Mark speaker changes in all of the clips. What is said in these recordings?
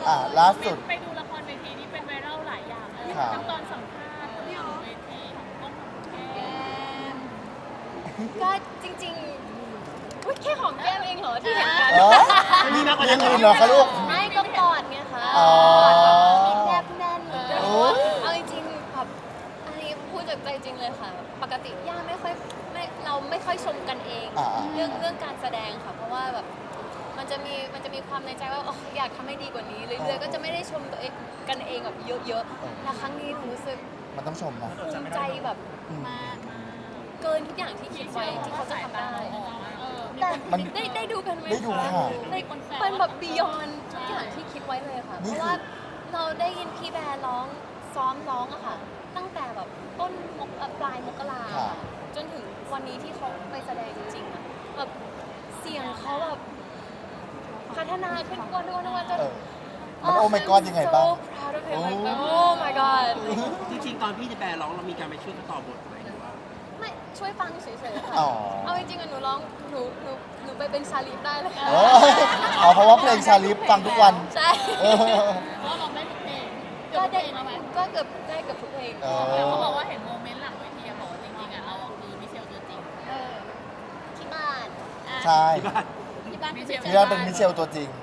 Speaker 1: ล่าสุด
Speaker 2: ไปดูละครเวทีนี่เป็นไวรัลหลายอย่างเลย
Speaker 1: ครับ
Speaker 2: ทั้งตอนสัมภาษณ์ที่เวทีของแก้ม
Speaker 3: ก็จริงๆอุ๊ยแค่หอมแก้มเองเหรอที่เห็นกัน
Speaker 1: มีมากกว่านั้นเหรอคะลูก
Speaker 3: ไม่ก็กอดไงคะ
Speaker 1: อ๋อ
Speaker 3: กอดแบบแนบแน่น
Speaker 1: โอ้ย
Speaker 3: เอาจริงๆแบบอันนี้พูดจากใจจริงเลยค่ะ ปกติย่าเราไม่ค่อยชมกันเอง เรื่องการแสดงค่ะ เพราะว่าแบบมันจะมีความในใจว่าอยากทำให้ดีกว่านี้เรื่อยๆก็จะไม่ได้ชมตัวเองกันเองแบบเยอะๆแต่ครั้งนี้หนูรู้สึก
Speaker 1: มันต้องชมนะ
Speaker 3: ภูมิใจแบบ
Speaker 2: มาก
Speaker 3: เกินทุกอย่างที่คิดไว้ที่เขาจะทำได้ แต่
Speaker 1: มัน
Speaker 3: ได้ดูกันไหม
Speaker 1: ได้ดู
Speaker 3: คะ
Speaker 1: ค่ะ
Speaker 3: มันแบบบียอนทุกอย่างที่คิดไว้เลยค่ะ
Speaker 1: นี่
Speaker 3: เพ
Speaker 1: คือ
Speaker 3: ราะว่าเราได้ยินพี่แบร์ซ้อมร้องอะค่ะ ตั้งแต่แบบต้นปลายมกราค่ะจนถึงวันนี้ที่เขาไปแสดงจริงๆอะแบบเสียงเขาแบบพัฒนาขึ้นทุกวันจน
Speaker 1: มันโอ้ my god ยังไงบ้าง
Speaker 3: so proud of him like oh my god
Speaker 4: จริงๆตอนพี่จะแปลร้องเรามีการไปช่วยเขาต่อบทไหมหรือว่า
Speaker 3: ไม่ช่วยฟังเฉยๆค่ะ
Speaker 1: อ๋อ
Speaker 3: เอาจริงๆอะหนูร้องหนูไปเป็นชาลีฟได้เลยค่ะ
Speaker 1: เออเพราะว่าเพลงชาลิฟฟังทุกวัน
Speaker 3: ใช่
Speaker 1: เออ
Speaker 2: เพราะเราได้ทุกเพลง
Speaker 3: ก็ได้
Speaker 2: แล้วไหม
Speaker 3: ก็เกือบได้เกือบทุกเพลง
Speaker 1: เออ
Speaker 2: แต่เขาบอกว่าเห็นโมเมนต์หลังเวทีบอกว่าจริงๆเราคือมิเชลตัวจริง
Speaker 3: ที่บ้าน
Speaker 1: ใช่
Speaker 4: ที่บ้าน
Speaker 2: ที่บ้านมิเชล
Speaker 1: ที่นั่นเป็นมิเชลตัวจริง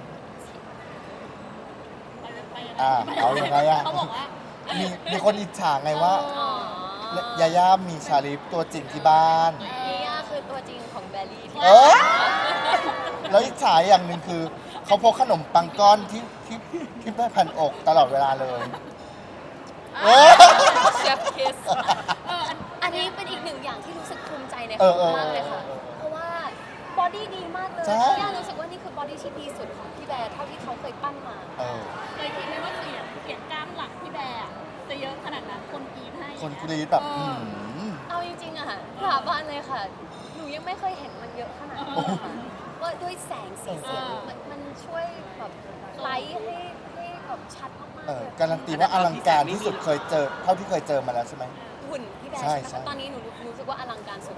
Speaker 1: เอายังไงอะ
Speaker 2: เขาบอกว่า
Speaker 1: มีคนอิจฉาไงว่า
Speaker 3: อ๋อย
Speaker 1: าย่ามีชาลิฟตัวจริงที่บ้าน
Speaker 3: นี่ย่าคือตัวจริงของแบลลี่ที่
Speaker 1: เออ แล้วอิจฉาอย่างหนึ่งคือ เขาพกขนมปังก้อนที่แม่พันอกตลอดเวลาเลยเออ
Speaker 3: เชฟคิสอันนี้เป็นอีกหนึ่งอย่างที่รู้สึกภูมิใจใน
Speaker 1: เอ
Speaker 3: เขา
Speaker 1: อ
Speaker 3: มากเลยค่ะ เพราะว่าบอดี้ดีมากเลย
Speaker 1: ใช่
Speaker 3: ย่ารู้สึกว่านี่คือบอดี้ที่ดีสุดของพี่แบร์เท่าที่เขาเคยปั้นมา
Speaker 1: เออ
Speaker 2: เคยคิดไหมว่าเสียงกล้ามหลังพี่แบร์จะเยอะขนาดนั้นคนกรีดให้
Speaker 1: คนกรีดแบบม
Speaker 3: เอาจริงๆอะค่ะสาบานเลยค่ะ หนูยังไม่เคยเห็นมันเยอะขนาดนี้เลยค่ะว่าด้วยแสงสีเสียงมันช่วยแบบไลท์ให้แบบชัดมากๆเลย
Speaker 1: การันตีว่าอลังการที่สุดเคยเจอ เท่าที่เคยเจอมาแล้วใช่ไหม
Speaker 3: หุ่นพี่แบร์
Speaker 1: ใช่
Speaker 3: ใช่ไหม
Speaker 1: ใช่
Speaker 3: คะตอนนี้หนูรู้สึกว่าอลังการสุด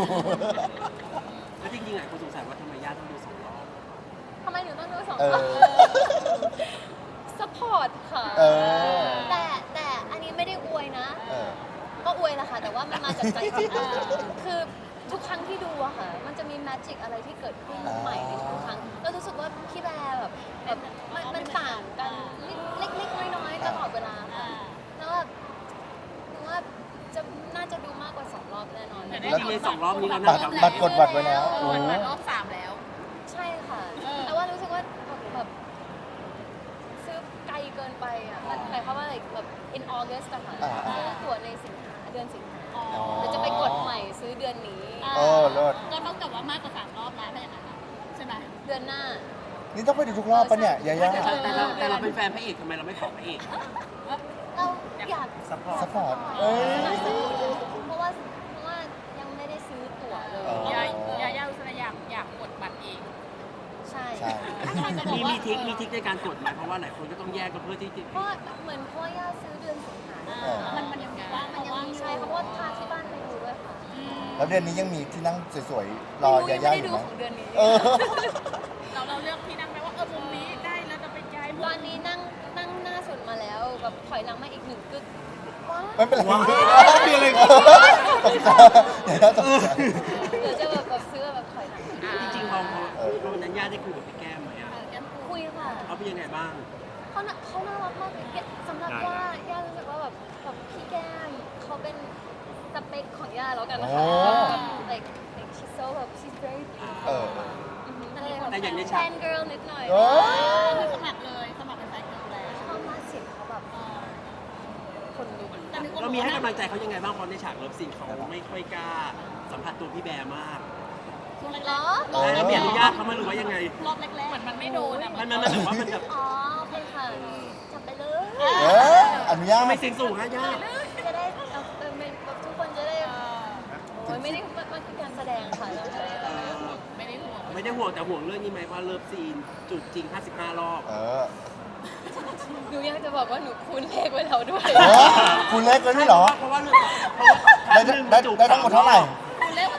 Speaker 4: แล้วจริงๆหลายคนสงสัยว่าทำไมญาติต้องดูสองรอบ
Speaker 3: ทำไมหนูต้องดูสอง
Speaker 1: เอ
Speaker 3: รอบ
Speaker 1: อ
Speaker 3: สปอร์ตค่ะ
Speaker 1: เออ
Speaker 3: แต่อันนี้ไม่ได้อวยนะ
Speaker 1: เออ
Speaker 3: ก็อวยแหละค่ะแต่ว่ามันมาจากใจจริงคือทุกครั้งที่ดูอะค่ะ มันจะมีแมจิกอะไรที่เกิดขึ้นใหม่ในทุกครั้งเรารู้สึกว่าพี่แบร์แบบมันต่างกันเล็กๆน้อยๆตลอดเวลาค่ะแล้วแบบหนูว่าน่าจะดูมากกว่า2 รอบแน่นอน
Speaker 4: แล้วในสองรอบนี้เรา
Speaker 1: บั
Speaker 4: น่า
Speaker 1: ตร
Speaker 4: จะ
Speaker 1: บัตรกดบัตรไว้แล้ว
Speaker 2: โอ้
Speaker 1: โอ้
Speaker 2: ยมารอบ3แล้ว
Speaker 3: ใช่ค่ะ แต่ว่ารู้สึกว่าแบบซื้อไกลเกินไปอ่ะมันหมายความว่าอะไรแบบ in August อะค่ะซื้อตั๋วในเดือนสิงหา
Speaker 2: อ๋อ
Speaker 3: เดี๋ยวจะไปกดใหม่ซื้อเดือนนี้
Speaker 1: โอ้เลิศ
Speaker 2: ก็ต้องกับว่ามากกว่า3 รอบแล้วถ้าอย่างนั้นใช่ไหม
Speaker 3: เดือนหน้า
Speaker 1: นี่ต้องไปดูทุกรอบปะเนี่ยยาย่า
Speaker 4: แต่เราเป็นแฟนพระเอกทำไมเราไม่ขอพระเอก
Speaker 3: เราอยาก
Speaker 4: ซัพพอร์ต
Speaker 1: สปอร์ตเอ้ย
Speaker 3: เพราะว่ายังไม่ได้ซื้อตั๋วเลย
Speaker 1: อ๋อ
Speaker 2: ยาอุสระอยากกดบัตรเอง
Speaker 3: ใช่
Speaker 1: ใช่
Speaker 4: มีทริคในการกดไหมเพราะว่าหลายคนก็ต้องแยกกันเพื่อที่จะ
Speaker 3: เพราะเหมือนพ่อย่าซื้อเดือนสิงหา
Speaker 2: มันยังว่าง
Speaker 3: มันยังมีใช่เพราะว่าพาที่บ้านไปดูด้วยค่ะ
Speaker 1: แล้วเดือนนี้ยังมีที่นั่งสวยๆ รอ
Speaker 3: ไม่
Speaker 1: ยา
Speaker 3: รู้
Speaker 1: ย่า
Speaker 3: ยัง
Speaker 1: อ
Speaker 3: ไม่ได้
Speaker 1: ยู่
Speaker 3: ดู
Speaker 1: ไหม
Speaker 3: ของเดือนนี้
Speaker 1: เออ
Speaker 2: เราเลือกที่นั่งไหมว่ามุมนี้ได้แล้วจะไปย้าย
Speaker 3: ตอนนี้นั่งหน้าสุดมาแล้วแบบถอยหลังมาอีก1 กึกว้า
Speaker 1: ไม่เป็นไร
Speaker 4: ว้าวมีอะไร
Speaker 1: ตกใจยาย่าตกใจ
Speaker 3: เดี๋ยวจะแบบซื้อแบบถอยหลัง
Speaker 4: จริงๆพอวันนั้นญาติได้คุยกับพี่แก้มไหมอ่ะ
Speaker 3: คุยค่ะ
Speaker 4: เขาเป็นยังไงบ้าง
Speaker 3: เขาน่ารักมากเลยสำหรับย่ารู้สึกว่าแบบพี่แก้มเขาเป็นสเปคของย่าแล้วกันนะคะ like she's so แบบ she's very
Speaker 1: เอ
Speaker 3: beautiful
Speaker 1: อ
Speaker 3: ก็เลยแบบ
Speaker 4: แต่อย่างใน
Speaker 3: แฟ
Speaker 4: ฉาก
Speaker 3: น girl นิดหน่อย
Speaker 1: เออ
Speaker 2: คือสมัครเลยสมัครเป็นแฟนกันแล้ว
Speaker 3: ชอบมากเสียงเขาแบบคนลุก
Speaker 4: เรามีให้กำลังใจเขายังไงบ้างเพราะในฉากเลิฟซีนเขาไม่ค่อยกล้าสัมผัสตัวพี่แบร์มาก
Speaker 2: ช่วงแร
Speaker 3: เหร
Speaker 2: ก
Speaker 3: อ
Speaker 4: แล้วมีอนุญาตเขาไหมาหรือว่ายังไง
Speaker 2: ๆรอบแรกๆเหมือนมันไม่โดนอ่ะ
Speaker 4: มันแบบว่ามันแบบ
Speaker 3: อ๋อโอเคค่ะจับไปเลย
Speaker 1: เอออนุญาต
Speaker 4: ทำไมเสียงสูงฮะญาติ
Speaker 3: จะได้ทุกคนจะได้โอ้ยไม่ได้มันคือการแสดงค่ะเราไม่ได้
Speaker 2: ไม่ได้ห่วง
Speaker 4: ไม่ได้ห่วงแต่ห่วงเรื่องนี้ไหมว่าเลิฟซีนจูบจริง 55 รอบ
Speaker 1: เออ
Speaker 3: หนูอยากจะบอกว่าหนูคูณเลขไว้แล้วด้วย
Speaker 1: เออคุณเล็กเลยด้วยเหรอ
Speaker 4: เพราะว่าเรื่อง
Speaker 1: ได้ทั้งหมดเท่าไหร่
Speaker 2: คุณเล่นก็ต้องจูบ
Speaker 4: 1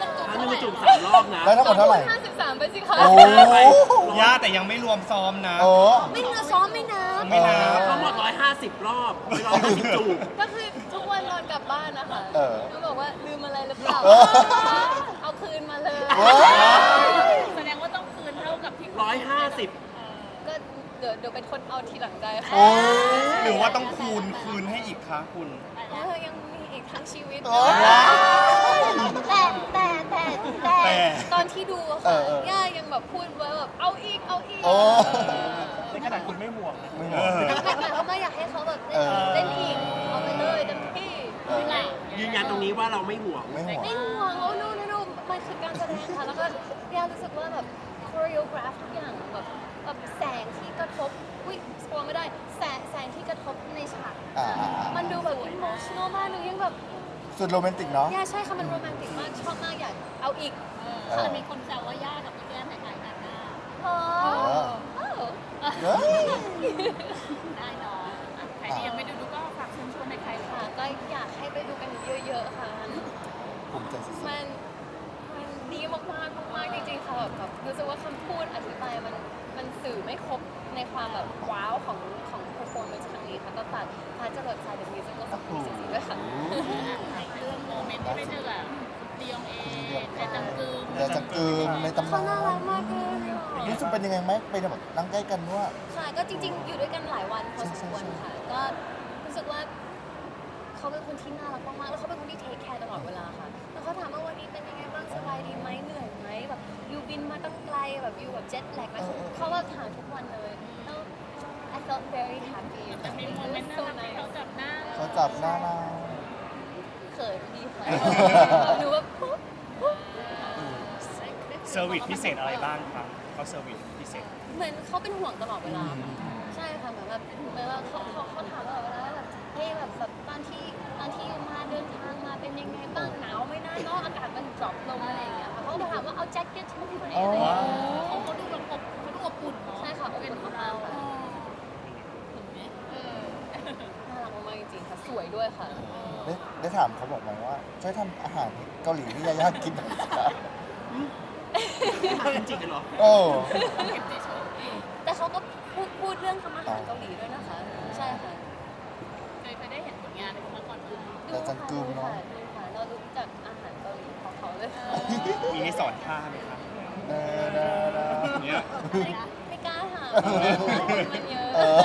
Speaker 4: มือจุ่ม3 รอบนะ
Speaker 1: แล้วทั้งหมดเท่าไหร่
Speaker 3: 53ไปสิคะ
Speaker 1: โอ้
Speaker 5: ย่าแต่ยังไม่รวมซ้อมนะ
Speaker 1: โอ้
Speaker 3: ไม่นับซ้อมไม่นับ
Speaker 5: ไม่นับ
Speaker 4: ทั้งหมด150 รอบไม่150จูบ
Speaker 3: ก็คือทุกวันนอนกลับบ้านนะคะ
Speaker 1: เออ
Speaker 3: ก็บอกว่าลืมอะไรหรือเปล่า
Speaker 1: เออ
Speaker 3: เอาคืนมาเลย
Speaker 1: เว้ย
Speaker 2: แสดงว่าต้องคืนเท่ากับที่
Speaker 4: 150
Speaker 3: ก็เดี๋ยวเป็นคนเอาทีหลังได้
Speaker 1: โอ้
Speaker 3: ค่ะ
Speaker 5: หรือว่าต้องคืนให้อีกคะคุณ
Speaker 3: ยังมีอีกทั้งชีวิต
Speaker 1: โอ้
Speaker 3: แต่ตอนที่ดูอะ
Speaker 1: เอ
Speaker 3: ค่ะ
Speaker 1: อย่
Speaker 3: ายังแบบพูดไว้แบบเอาอีก
Speaker 1: โอ้
Speaker 5: ในขนาดคุณไม่ห่วงนะ
Speaker 1: ไม่หรอก
Speaker 3: หมายความว่าอยากให้เขาแบบ
Speaker 1: เออ
Speaker 3: เล่นอีกเอาไปเลยเต็มที่
Speaker 1: เออ
Speaker 4: ยืนยันตรงนี้ว่าเราไม่ห่วง
Speaker 1: ไม่ห่วง
Speaker 3: ไม่ห่วงโอ้no มันคือการแสดงค่ะ แล้วก็ย่ารู้สึกว่าแบบโคเรียกราฟทุกอย่างแบบแสงที่กระทบอุ้ยสปอยไม่ได้แสงที่กระทบในฉาก
Speaker 1: อ่า
Speaker 3: มันดูแบบ emotional มากหนูยังแบบ
Speaker 1: สุดโรแมนติกเนาะ
Speaker 3: ย่าใช่ค่ะมันโรแมนติกมากชอบมากอยากเอาอีก
Speaker 2: ค่ะมีคนแซวว่าย่ากับพี่แก้มคล้ายๆกันนะ
Speaker 3: อ๋อ
Speaker 1: เออ
Speaker 3: โอ้
Speaker 1: เฮ้ย
Speaker 2: ได้เนาะใครที่ยังไม่ดูก็ฝากเชิญชวนในใคร
Speaker 3: ค่ะก็อยากให้ไปดูกันเยอะๆค่ะ
Speaker 1: ภูมิใจสุด
Speaker 3: มันดีมากๆจริงๆค่ะแบบรู้สึกว่าคำพูดอธิบายมันสื่อไม่ครบในความแบบว้าวของ performance ครั้งนี้ค่ะก็ฝากจรวดสายเดอะมิวสิคกับมิวสิด้วยค่ะ
Speaker 2: เรื่องโมเมนต์ที่ไม่เจอกับดียองเอในจังกึม
Speaker 1: ๆเดี๋ยวจะกลืนในตำ
Speaker 3: เขา
Speaker 1: นาน
Speaker 3: น่ารักมากเลยอะ
Speaker 1: รู้สึกเป็นยังไงไหมไปแบบนั่งใกล้กันว่า
Speaker 3: ค่ะก็จริง ๆ อยู่ด้วยกันหลายวันพอสมควรค่ะ ก็รู้สึกว่าเขาเป็นคนที่น่ารักมากๆแล้วเขาเป็นคนที่เทคแคร์ตลอดเวลาค่ะแล้วเขาถามว่าวันนี้เป็นยังไงบ้างสบายดีไหมเหนื่อยไหมแบบอยู่บินมาตั้งไกลแบบอยู่แบบเจ็ตแลกแล้วเขาแบบถามทุกวันเลยแล้ว I felt very happy
Speaker 2: จะมีโมเมนต์น่ารักที่เขาจับหน้า
Speaker 1: เขาจับหน้าเรา
Speaker 3: เขินดีค่ะหนูแบบปุ๊บ
Speaker 5: เซอร์วิสพิเศษอะไรบ้างครับเขาเซอร์วิสพิเศษ
Speaker 3: เหมือนเขาเป็นห่วงตลอดเวลาค่ะใช่ค่ะเหมือนแบบเขาถามตลอดเวลาว่าแบบเฮ้ยแบบตอนที่อยู่มาเดินทางมาเป็นยังไงบ้างหนาวไหม่น่าเนาะอากาศมันดรอปลงอะไรอย่างเงี้ยค่ะเขาก็ถามว่าเอาแจ็คเก็ตใช่ไหมพี่คนนี้อะไรอย่างเงี้ย
Speaker 2: เขาดูแบบเขาดูอบอุ่นเนาะ
Speaker 3: ใช่ค่ะเป็นมากๆค่ะ
Speaker 2: เออ
Speaker 3: น่ารักมากๆจริงๆค่ะสวยด้วยค่ะ
Speaker 1: ได้ถามเขาบอกไหมว่า ช่วยทำอาหารเกาหลีที่ยายากินหน่อยสิคะ
Speaker 4: จริงๆเหรอ
Speaker 1: โอ้
Speaker 3: แต่เขาก็พูดเรื่องทำอาหารเกาหลีด้วยนะคะ ใช่ค่ะ
Speaker 2: เคยได้เห็นผลงานในมาก่อนเลย
Speaker 3: ดูค่ะดูค่ะเรารู้จักอาหารเกาหลีของเขาเลย
Speaker 5: มีให้สอนท่าไหมครับ
Speaker 1: เด้อเด้อเด้อ
Speaker 5: เนี่ย
Speaker 3: ไม่กล้าถามมันเยอะ
Speaker 1: เออ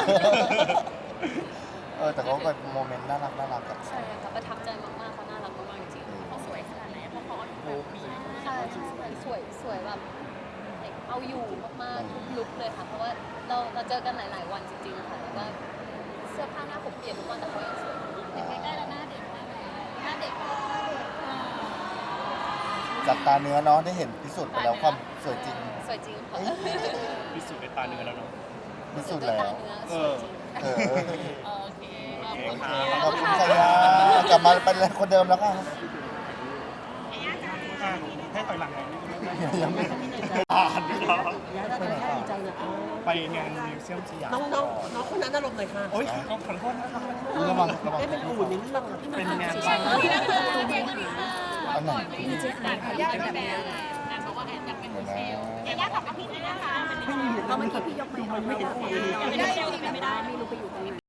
Speaker 1: แต่เขาเป็นโมเมนต์น่ารักกับ
Speaker 3: ใช่ค่ะประทับใจมากๆเขาน่ารักมากๆจริง
Speaker 2: เขาสวยขนาดไหนเพราะเขาอายุแบบปี
Speaker 3: ๆใช่สวยแบบเอาอยู่มากๆทุกลุคเลยค่ะ เพราะว่าเราเจอกันหลายๆวันจริงๆค่ะแล้วก็เสื้อผ้าหน้าผมเปลี่ยนทุกวันแต่เขายังสวย
Speaker 2: ใกล้ๆแล้วหน้าเด็กมากเลยหน้าเด็ก
Speaker 1: จากตาเนื้อเนาะได้เห็นพิสูจน์ไปแล้วความสวยจริง
Speaker 3: สวยจริงค่ะ
Speaker 5: พิสูจน์ด้วยตาเนื้อแล้วเนาะ
Speaker 1: พิสูจน์
Speaker 3: ด้วย
Speaker 1: แล้
Speaker 3: ตาว เนื้อสวยจริง
Speaker 1: เออ
Speaker 2: โอเค
Speaker 5: โอเค
Speaker 1: ขอบคุณชายากลับมาเป็นคนเดิมแล้วค่ะ
Speaker 5: ให้ถอยหลังหน่อย
Speaker 1: ยังไม่
Speaker 5: อ่านด้วยเหรอ
Speaker 1: ไปไหนต่อ
Speaker 5: ไปงานมิวเซียมสยาม
Speaker 4: น้องคนนั้นอารมณ์หน่อยค่ะ
Speaker 5: โอ๊ยขอโทษนะครับ
Speaker 1: ระวัง
Speaker 4: ได้เป็นอู่ในเรื่อง
Speaker 5: เป็นงาน
Speaker 2: นี่นะคะเรียนกันดีค่ะ
Speaker 1: อันไหน
Speaker 2: ดีเจแอนขออนุญาตแบบนี้แอนบอกว่าแอนอยากเป็นเซลล์ยายากับพี่นี่นะคะ
Speaker 4: เราเมื่อกี้พี่ยกมือไม่เห็น
Speaker 2: ไม่ได้ไม่ได้ไม่รู้ไปอยู่ตรงไหน